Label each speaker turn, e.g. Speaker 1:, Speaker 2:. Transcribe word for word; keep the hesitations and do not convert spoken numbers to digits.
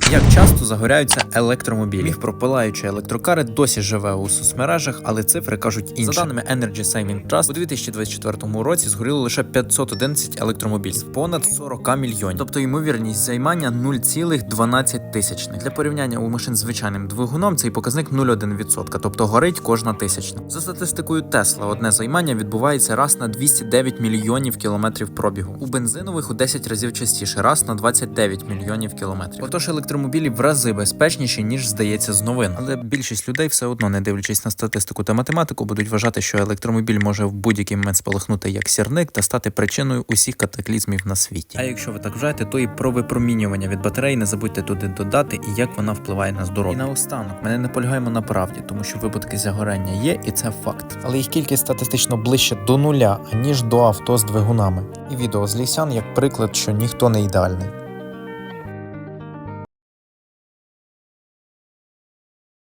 Speaker 1: Як часто загоряються електромобілі? Міф про пилаючі електрокари досі живе у соцмережах, але цифри кажуть інше. За даними Energy Saving Trust, у дві тисячі двадцять четвертому році згоріло лише п'ятсот одинадцять електромобілів, понад сорок мільйонів. Тобто ймовірність займання нуль цілих дванадцять тисячних. Для порівняння у машин з звичайним двигуном цей показник нуль цілих одна десята відсотка, тобто горить кожна тисячна. За статистикою Tesla, одне займання відбувається раз на двісті дев'ять мільйонів кілометрів пробігу. У бензинових у десять разів частіше, раз на двадцять дев'ять мільйонів кілометрів. Отож, електромобілі в рази безпечніші, ніж здається з новин. Але більшість людей все одно, не дивлячись на статистику та математику, будуть вважати, що електромобіль може в будь-який момент спалахнути як сірник та стати причиною усіх катаклізмів на світі. А якщо ви так вважаєте, то і про випромінювання від батареї не забудьте туди додати і як вона впливає на здоров'я. І наостанок, ми не наполягаємо на правді, тому що випадки загорання є, і це факт. Але їх кількість статистично ближче до нуля, аніж до авто з двигунами. І відео з Лісян як приклад, що ніхто не ідеальний.